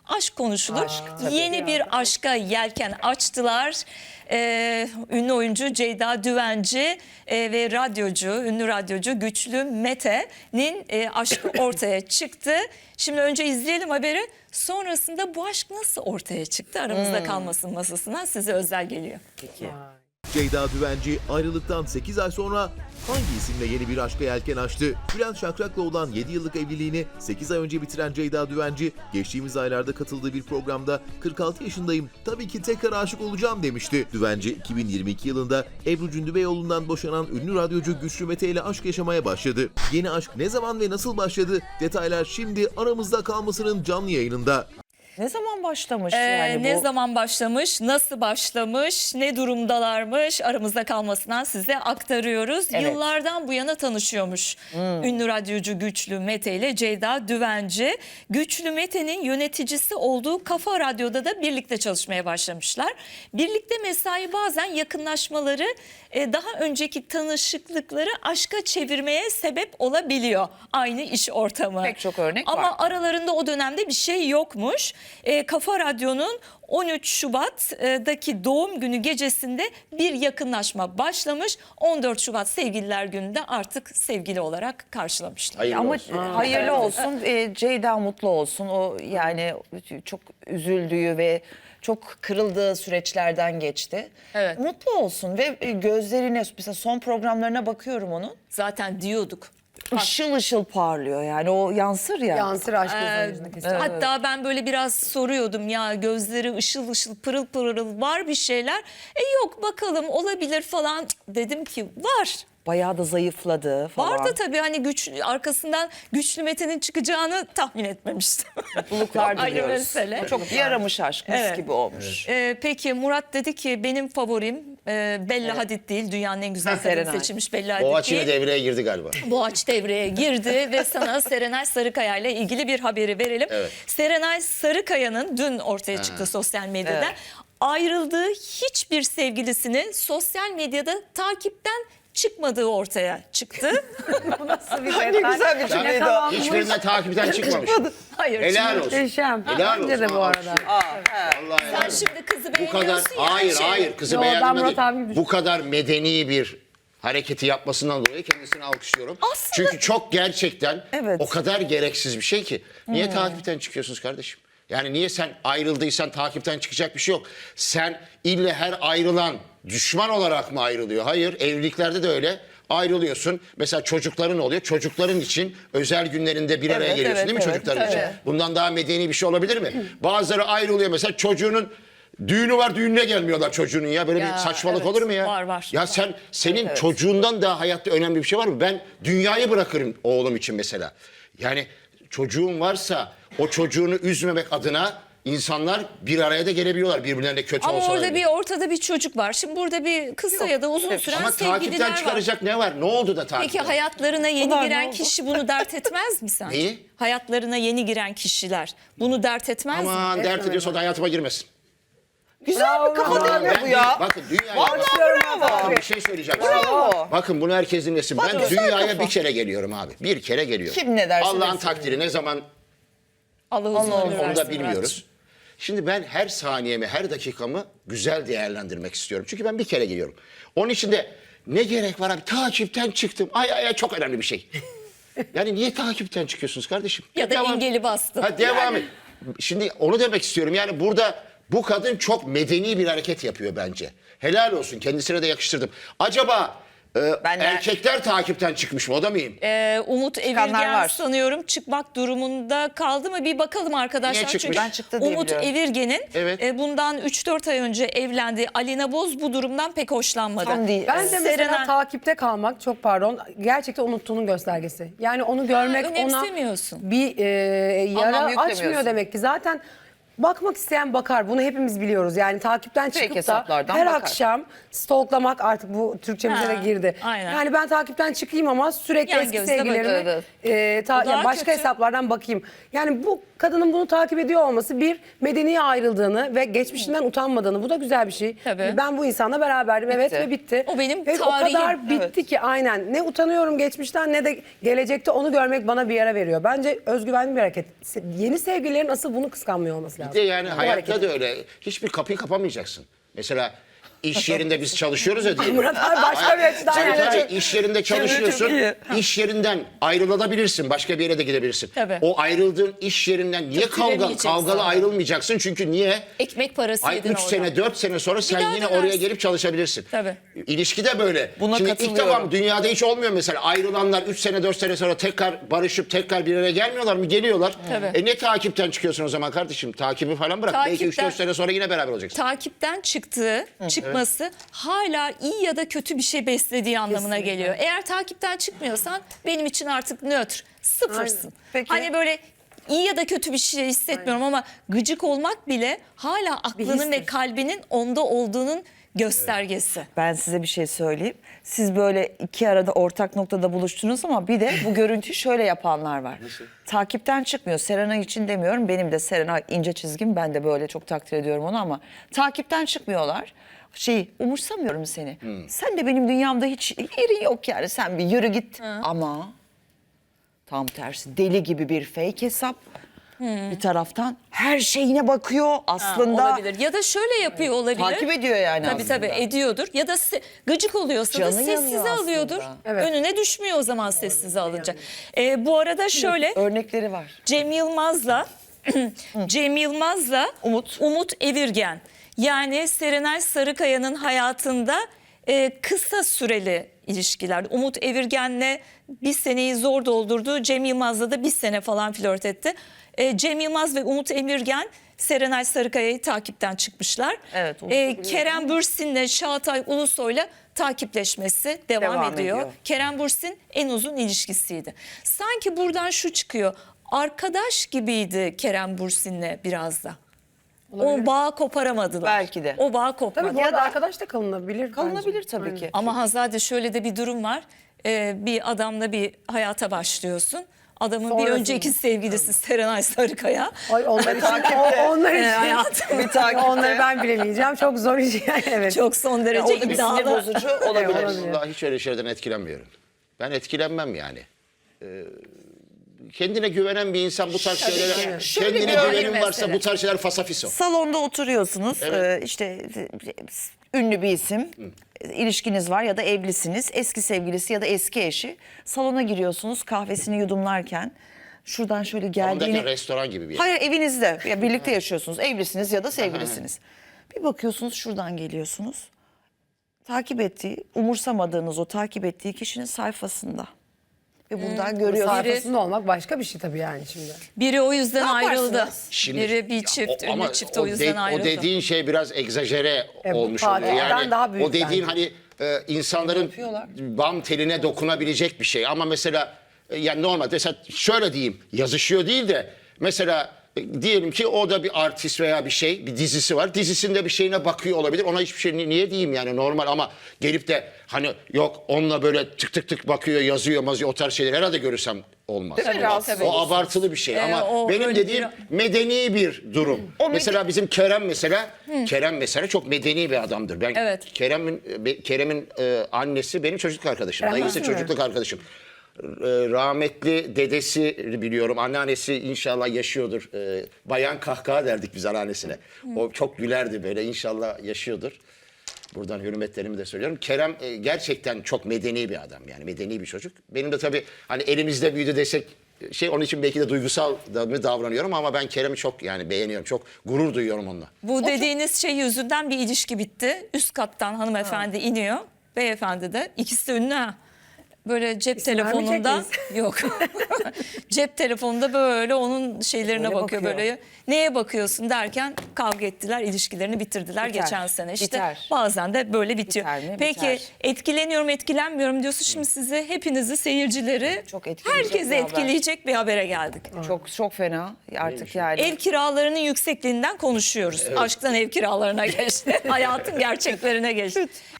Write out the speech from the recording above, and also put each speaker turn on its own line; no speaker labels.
aşk konuşulur. Yeni bir aşka yelken açtılar. Ünlü oyuncu Ceyda Düvenci ve ünlü radyocu Güçlü Mete'nin aşkı ortaya çıktı. Şimdi önce izleyelim haberi. Sonrasında bu aşk nasıl ortaya çıktı? Aramızda kalmasın masasına size özel geliyor.
Peki.
Ceyda Düvenci ayrılıktan 8 ay sonra hangi isimle yeni bir aşka yelken açtı? Bülent Şakrak'la olan 7 yıllık evliliğini 8 ay önce bitiren Ceyda Düvenci, geçtiğimiz aylarda katıldığı bir programda 46 yaşındayım, tabii ki tekrar aşık olacağım demişti. Düvenci 2022 yılında Ebru Cündübeyoğlu'ndan boşanan ünlü radyocu Güçlü Mete ile aşk yaşamaya başladı. Yeni aşk ne zaman ve nasıl başladı? Detaylar şimdi Aramızda Kalması'nın canlı yayınında.
Ne zaman başlamış yani bu?
Ne zaman başlamış, nasıl başlamış, ne durumdalarmış aramızda kalmasından size aktarıyoruz.
Evet.
Yıllardan bu yana tanışıyormuş ünlü radyocu Güçlü Mete ile Ceyda Düvenci. Güçlü Mete'nin yöneticisi olduğu Kafa Radyo'da da birlikte çalışmaya başlamışlar. Birlikte mesai bazen yakınlaşmaları daha önceki tanışıklıkları aşka çevirmeye sebep olabiliyor. Aynı iş ortamı.
Pek çok örnek var.
Ama aralarında o dönemde bir şey yokmuş. Kafa Radyo'nun 13 Şubat'daki doğum günü gecesinde bir yakınlaşma başlamış. 14 Şubat Sevgililer Günü'nde artık sevgili olarak karşılamışlar.
Hayırlı
Ama
olsun.
hayırlı olsun. Ceyda mutlu olsun. O yani çok üzüldüğü ve çok kırıldığı süreçlerden geçti.
Evet.
Mutlu olsun ve gözlerine, mesela son programlarına bakıyorum onun.
Zaten diyorduk.
Işıl ışıl parlıyor yani, o yansır ya.
Yansır aşk gözünün yüzüne kesin.
Hatta ben böyle biraz soruyordum ya, gözleri ışıl ışıl pırıl pırıl var bir şeyler. Yok bakalım olabilir falan. Cık, dedim ki var.
Bayağı da zayıfladı falan.
Vardı tabii, hani arkasından Güçlü Mete'nin çıkacağını tahmin etmemiştim.
Mutluluklar
Ayrı
diliyoruz.
mesele.
Çok yaramış aşk, mis
Evet.
gibi olmuş.
Peki Murat dedi ki benim favorim Bella Hadid değil. Dünyanın en güzel kadını
Serenay.
seçilmiş Bella Hadid
Boğaç yine
değil.
devreye girdi galiba.
Boğaç devreye girdi ve sana Serenay Sarıkaya ile ilgili bir haberi verelim.
Evet.
Serenay Sarıkaya'nın dün ortaya çıktı sosyal medyada.
Evet.
Ayrıldığı hiçbir sevgilisini sosyal medyada takipten çıkmadığı ortaya çıktı.
Nasıl bir
Ne güzel bir cümleydi o.
Hiçbirinden takipten çıkmamış.
Hayır.
Helal
şimdi-
olsun.
Muhteşem.
Helal
Bence de
olsun.
bu arada.
Vallahi helal
Sen
olsun.
şimdi kızı
Bu kadar,
beğeniyorsun ya.
hayır
şey.
hayır, kızı
Yo, ben
beğendim
Murat abi gibi
değil. Bu kadar medeni bir hareketi yapmasından dolayı kendisini alkışlıyorum.
Aslında-
Çünkü çok gerçekten
Evet.
o kadar gereksiz bir şey ki. Niye takipten çıkıyorsunuz kardeşim? Yani niye sen ayrıldıysan takipten çıkacak bir şey yok. Sen ille her ayrılan düşman olarak mı ayrılıyor? Hayır, evliliklerde de öyle. Ayrılıyorsun. Mesela çocukların oluyor. Çocukların için özel günlerinde bir araya
Evet,
geliyorsun,
evet,
değil mi,
evet,
çocukların için?
tabii.
Bundan daha medeni bir şey olabilir mi? Bazıları ayrılıyor mesela, çocuğunun düğünü var, düğününe gelmiyorlar çocuğunun ya. Böyle
Ya,
bir saçmalık
evet.
olur mu ya?
Var.
Ya senin çocuğundan daha hayatta önemli bir şey var mı? Ben dünyayı bırakırım oğlum için mesela. Yani çocuğun varsa o çocuğunu üzmemek adına insanlar bir araya da gelebiliyorlar, birbirlerine kötü
Ama
olsalar
orada
bile.
bir ortada bir çocuk var. Şimdi burada bir kısa ya da uzun süren
Ama takipten
sevgililer var.
çıkaracak ne var? Ne oldu da
Peki
takipten?
hayatlarına yeni
Bunlar ne
giren
oldu?
kişi bunu dert etmez mi sence?
Neyi?
Hayatlarına yeni giren kişiler bunu dert etmez mi?
Aman dert ediyorsa da hayatıma girmesin.
Güzel bir kafa değil mi bu ya?
Bakın dünyaya...
Vallahi bravo.
Bakın bir şey söyleyeceğim.
Bravo.
Bakın bunu herkes dinlesin. Ben
güzel
dünyaya
kafa.
bir kere geliyorum abi. Bir kere geliyorum.
Kim ne derse
Allah'ın
desin.
takdiri ne zaman
Allah uzun
Allah
ömür
onu
versin
da bilmiyoruz. Şimdi ben her saniyemi, her dakikamı güzel değerlendirmek istiyorum. Çünkü ben bir kere geliyorum. Onun için de ne gerek var abi? Takipten çıktım. Ay çok önemli bir şey. Yani niye takipten çıkıyorsunuz kardeşim?
Ya da engeli bastın.
Ha, devam et. Şimdi onu demek istiyorum. Yani burada bu kadın çok medeni bir hareket yapıyor bence. Helal olsun. Kendisine de yakıştırdım. Acaba erkekler takipten çıkmış mı? O da mıyım?
Umut
Çıkanlar
Evirgen
var.
sanıyorum çıkmak durumunda kaldı mı? Bir bakalım arkadaşlar.
Niye çıkmış?
Çünkü
Ben çıktı diye
Umut
biliyorum.
Evirgen'in
Evet.
bundan 3-4 ay önce evlendiği Alina Boz bu durumdan pek hoşlanmadı.
Tam değil.
Ben de mesela
Serenay-
takipte kalmak, çok pardon, gerçekten unuttuğunun göstergesi. Yani onu görmek ona
önemsemiyorsun.
bir
Anlam
yara
yüklemiyorsun.
açmıyor demek ki. Zaten Bakmak isteyen bakar. Bunu hepimiz biliyoruz. Yani takipten
Fake
çıkıp da
hesaplardan
her
bakar.
akşam stalklamak artık bu Türkçemize
Ha,
de girdi.
aynen.
Yani ben takipten çıkayım ama sürekli
Yan
eski
gözle
sevgililerimi
bakıyor,
O daha
yani başka
kötü.
hesaplardan bakayım. Yani bu kadının bunu takip ediyor olması bir medeniye ayrıldığını ve geçmişinden utanmadığını. Bu da güzel bir şey.
Tabii.
Ben bu insanla beraberdim evet
Bitti.
ve bitti.
O benim
ve
tarihim.
o kadar bitti ki aynen. Ne utanıyorum geçmişten ne de gelecekte onu görmek bana bir yara veriyor. Bence özgüvenli bir hareket. Yeni sevgililerin asıl bunu kıskanmıyor olması lazım.
Bir de yani
Bu
hayatta
hareket.
da öyle. Hiçbir kapıyı kapamayacaksın. Mesela iş yerinde biz çalışıyoruz ya diyelim.
Murat abi başka bir açıdan
Tabii
yani.
tabii iş yerinde çalışıyorsun. İş yerinden ayrılabilirsin. Başka bir yere de gidebilirsin.
Tabii.
O ayrıldığın iş yerinden niye
Kötülemeyeceksin.
kavgalı ayrılmayacaksın? Çünkü niye?
Ekmek parası
Ay
yedin
3
oradan.
sene 4 sene sonra sen
daha
yine
dönersin.
oraya gelip çalışabilirsin.
Tabii.
İlişki de böyle.
Buna
Şimdi ilk
katılıyorum.
defa dünyada hiç olmuyor mesela. Ayrılanlar 3 sene 4 sene sonra tekrar barışıp tekrar bir araya gelmiyorlar mı? Geliyorlar.
Tabii.
Ne takipten çıkıyorsun o zaman kardeşim? Takibi falan bırak. Belki
Takipten-
3-4 sene sonra yine beraber olacaksın.
Takipten çıkması hala iyi ya da kötü bir şey beslediği anlamına
Kesinlikle.
geliyor. Eğer takipten çıkmıyorsan benim için artık nötr, sıfırsın.
Aynen.
Peki.
Hani böyle iyi ya da kötü bir şey hissetmiyorum ama gıcık olmak bile hala aklının ve
histir.
kalbinin onda olduğunun göstergesi.
Ben size bir şey söyleyeyim. Siz böyle iki arada ortak noktada buluştunuz ama bir de bu görüntüyü şöyle yapanlar var. Takipten çıkmıyor. Serenay için demiyorum. Benim de Serenay ince çizgim. Ben de böyle çok takdir ediyorum onu ama takipten çıkmıyorlar. Umursamıyorum seni. Sen de benim dünyamda hiç yerin yok yani. Sen bir yürü git. Ama tam tersi deli gibi bir fake hesap. Bir taraftan her şeyine bakıyor aslında.
Olabilir. Ya da şöyle yapıyor olabilir.
Takip ediyor yani
Tabii
aslında.
tabii ediyordur. Ya da gıcık oluyorsa da
Canı
sessize
yanıyor
alıyordur.
aslında.
Evet.
Önüne düşmüyor o zaman sessize alınca. Bu arada şöyle
Örnekleri var.
Cem Yılmaz'la Umut Evirgen. Yani Serenay Sarıkaya'nın hayatında kısa süreli ilişkiler. Umut Evirgen'le bir seneyi zor doldurdu. Cem Yılmaz'la da bir sene falan flört etti. Cem Yılmaz ve Umut Evirgen Serenay Sarıkaya'yı takipten çıkmışlar.
Evet, Umut'u biliyorum.
Kerem Bürsin'le Çağatay Ulusoy'la takipleşmesi devam
Devam
ediyor.
ediyor.
Kerem Bürsin en uzun ilişkisiydi. Sanki buradan şu çıkıyor. Arkadaş gibiydi Kerem Bürsin'le biraz da. O bağı koparamadılar.
Belki de.
O bağı
Tabii
kopmadı.
bu arada arkadaş da kalınabilir.
Kalınabilir
bence.
tabii
Aynen.
ki.
Ama Hazade şöyle de bir durum var. Bir adamla bir hayata başlıyorsun. Adamın bir
Sonrasında.
önceki sevgilisi Serenay Sarıkaya.
Ay onlar için, onlar için.
hayatım.
Bir takipte.
Onları ben bilemeyeceğim. Çok zor iş yani evet.
Çok son derece
Orada bir sinir
iddialı.
bozucu olabilir.
olabilir.
Vallahi hiç öyle şeylerden etkilenmiyorum. Ben etkilenmem yani. Kendine güvenen bir insan bu tarz şeylere,
Şöyle
kendine
bir örnek
güvenin varsa
mesele.
bu tarz şeyler fasafiso.
Salonda oturuyorsunuz. İşte ünlü bir isim. İlişkiniz var ya da evlisiniz. Eski sevgilisi ya da eski eşi. Salona giriyorsunuz kahvesini yudumlarken. Şuradan şöyle
Ondaki
geldiğini...
restoran gibi bir yer.
Hayır evinizde. Ya birlikte yaşıyorsunuz. Evlisiniz ya da sevgilisiniz. Bir bakıyorsunuz şuradan geliyorsunuz. Takip ettiği, umursamadığınız o takip ettiği kişinin sayfasında. Ve buradan görüyorsunuz.
Sayfasında olmak başka bir şey tabii yani şimdi.
Biri o yüzden
Ne
ayrıldı.
yaparsınız?
Biri bir çift,
ama
ünlü çift o yüzden ayrıldı.
O dediğin şey biraz egzajere
bu
olmuş oluyor.
tatilden
Yani
daha büyük
o dediğin
bence.
hani insanların
Yapıyorlar.
bam teline dokunabilecek bir şey. Ama mesela yani normal mesela şöyle diyeyim yazışıyor değil de mesela diyelim ki o da bir artist veya bir şey, bir dizisi var. Dizisinde bir şeyine bakıyor olabilir. Ona hiçbir şey niye diyeyim yani normal ama gelip de hani yok onunla böyle tık tık tık bakıyor, yazıyor, mazıyor o tarz şeyler herhalde görürsem olmaz.
Değil mi?
Tabii,
Rahatsız
tabii.
O abartılı bir şey ama
o
benim
öyle
dediğim medeni bir durum. Mesela bizim Kerem mesela çok medeni bir adamdır. Ben
Evet.
Kerem'in annesi benim çocukluk arkadaşım.
Kerem
Dayısı
nasıl
çocukluk arkadaşım. Rahmetli dedesi biliyorum. Anneannesi inşallah yaşıyordur. Bayan kahkaha derdik biz anneannesine. O çok gülerdi böyle. İnşallah yaşıyordur. Buradan hürmetlerimi de söylüyorum. Kerem gerçekten çok medeni bir adam yani medeni bir çocuk. Benim de tabii hani elimizde büyüdü desek onun için belki de duygusal mı davranıyorum ama ben Kerem'i çok yani beğeniyorum. Çok gurur duyuyorum onunla.
Bu dediğiniz şey yüzünden bir ilişki bitti. Üst kattan hanımefendi iniyor. Beyefendi de. İkisi de ünlü ha. Böyle cep
İsim vermeyecek
telefonunda
miyiz?
yok. Cep telefonunda böyle onun şeylerine
Böyle
bakıyor,
bakıyor.
böyle. Neye bakıyorsun derken kavga ettiler, ilişkilerini bitirdiler
Biter,
geçen sene. İşte
biter.
bazen de böyle bitiyor.
Biter mi?
Peki
Biter.
etkileniyorum, etkilenmiyorum diyorsun. Şimdi sizi, hepinizi, seyircileri,
Çok etkileyecek
herkesi
bir haber.
etkileyecek bir habere geldik.
Çok fena artık yani.
Ev kiralarının yüksekliğinden konuşuyoruz. Aşktan ev kiralarına geçti. Hayatın gerçeklerine geçti.